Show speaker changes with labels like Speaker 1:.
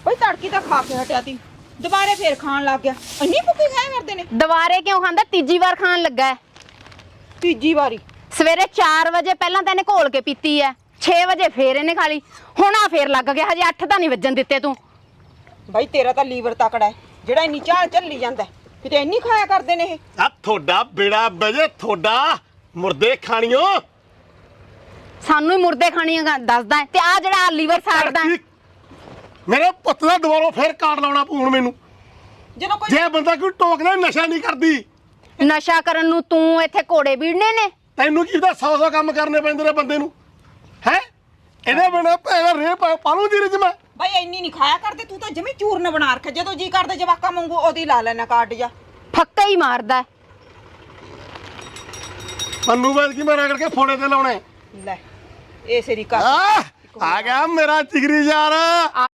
Speaker 1: ਬਈ ਤੜਕੀ ਤਾਂ ਖਾ ਕੇ ਹਟਿਆ ਤੀ ਦੁਬਾਰੇ ਫੇਰ ਖਾਣ ਲੱਗ ਗਿਆ। ਇੰਨੀ ਭੁੱਖੀ ਖਾਇਆ ਕਰਦੇ ਨੇ।
Speaker 2: ਦੁਬਾਰੇ ਕਿਉਂ ਖਾਂਦਾ? ਤੀਜੀ ਵਾਰ ਖਾਣ ਲੱਗਾ ਹੈ।
Speaker 1: ਤੀਜੀ ਵਾਰੀ?
Speaker 2: ਸਵੇਰੇ 4 ਵਜੇ ਪਹਿਲਾਂ ਤਾਂ ਇਹਨੇ ਘੋਲ ਕੇ ਪੀਤੀ ਹੈ, 6 ਵਜੇ ਫੇਰ ਇਹਨੇ ਖਾ ਲਈ, ਹੁਣ ਆ ਫੇਰ ਲੱਗ ਗਿਆ। ਹਜੇ 8 ਤਾਂ ਨਹੀਂ ਵੱਜਣ ਦਿੱਤੇ ਤੂੰ।
Speaker 1: ਬਾਈ ਤੇਰਾ ਤਾਂ ਲੀਵਰ ਤਕੜਾ ਹੈ ਜਿਹੜਾ ਇੰਨੀ ਚਾਲ ਚੱਲੀ ਜਾਂਦਾ। ਕਿਤੇ ਇੰਨੀ ਖਾਇਆ ਕਰਦੇ ਨੇ ਇਹ।
Speaker 3: ਆ ਤੁਹਾਡਾ ਬੇੜਾ ਬਜੇ, ਤੁਹਾਡਾ ਮੁਰਦੇ ਖਾਣੀਓ।
Speaker 2: ਸਾਨੂੰ ਹੀ ਮੁਰਦੇ ਖਾਣੀਆਂ ਦੱਸਦਾ ਹੈ ਤੇ ਆ ਜਿਹੜਾ ਲੀਵਰ ਸਾੜਦਾ ਹੈ।
Speaker 3: ਮੇਰੇ ਪੁੱਤ ਦਾ ਦੁਬਾਰਾ ਫੇਰ ਕਾਰਡ ਲਾਉਣਾ ਪਊ ਹੁਣ ਮੈਨੂੰ।
Speaker 1: ਜਦੋਂ ਕੋਈ
Speaker 3: ਜੇ ਬੰਦਾ ਕੋਈ ਟੋਕਦਾ ਨਸ਼ਾ ਨਹੀਂ ਕਰਦੀ।
Speaker 2: ਨਸ਼ਾ ਕਰਨ ਨੂੰ ਤੂੰ ਇੱਥੇ ਘੋੜੇ ਵੀੜਨੇ ਨੇ।
Speaker 3: ਤੈਨੂੰ ਕੀ ਪਤਾ 100 ਕੰਮ ਕਰਨੇ ਪੈਂਦੇ ਨੇ ਬੰਦੇ ਨੂੰ ਹੈ। ਇਹਦੇ ਬਿਨਾਂ ਭੈਣਾ ਰੇ ਪਾਲੂ ਦੀ ਰਿਜ ਮੈਂ।
Speaker 1: ਬਾਈ ਇੰਨੀ ਨਹੀਂ ਖਾਇਆ ਕਰਦੇ। ਤੂੰ ਤਾਂ ਜਮੀ ਚੂਰਨ ਬਣਾ ਰੱਖਿਆ। ਜਦੋਂ ਜੀ ਕਰਦੇ ਜਵਾਕਾਂ ਵਾਂਗੂ ਉਹਦੀ ਲਾ ਲੈਣਾ ਕਾਰਡ ਜਾ।
Speaker 2: ਫੱਕਾ ਹੀ ਮਾਰਦਾ।
Speaker 3: ਪੰਨੂ ਬਾਦ ਕੀ ਮੈਂ ਰਗੜ ਕੇ ਫੋੜੇ ਤੇ ਲਾਉਣੇ।
Speaker 1: ਲੈ ਇਹ ਸਰੀ ਕਰ
Speaker 3: ਆ ਗਿਆ ਮੇਰਾ ਜਿਗਰੀ ਯਾਰ।